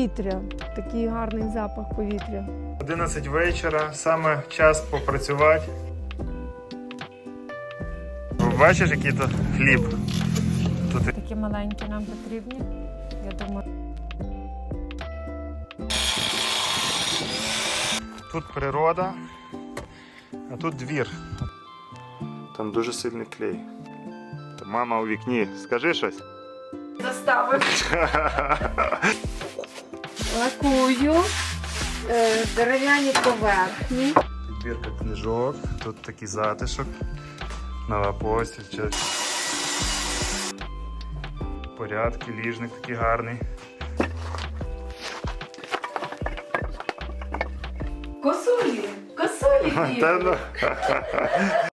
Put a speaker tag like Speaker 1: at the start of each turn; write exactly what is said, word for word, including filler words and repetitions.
Speaker 1: повітря, такий гарний запах повітря.
Speaker 2: одинадцять вечора, саме час попрацювати. Бачиш, який тут хліб? Тут...
Speaker 1: Такі маленькі нам потрібні, я думаю.
Speaker 2: Тут природа, а тут двір. Там дуже сильний клей. Та мама у вікні, скажи щось.
Speaker 1: Заставив. Лакую е, дерев'яні поверхні.
Speaker 2: Підбірка книжок, тут такий затишок. Нова постіль. Порядки, ліжник такий гарний.
Speaker 1: Косулі, косулі.
Speaker 2: Та ну.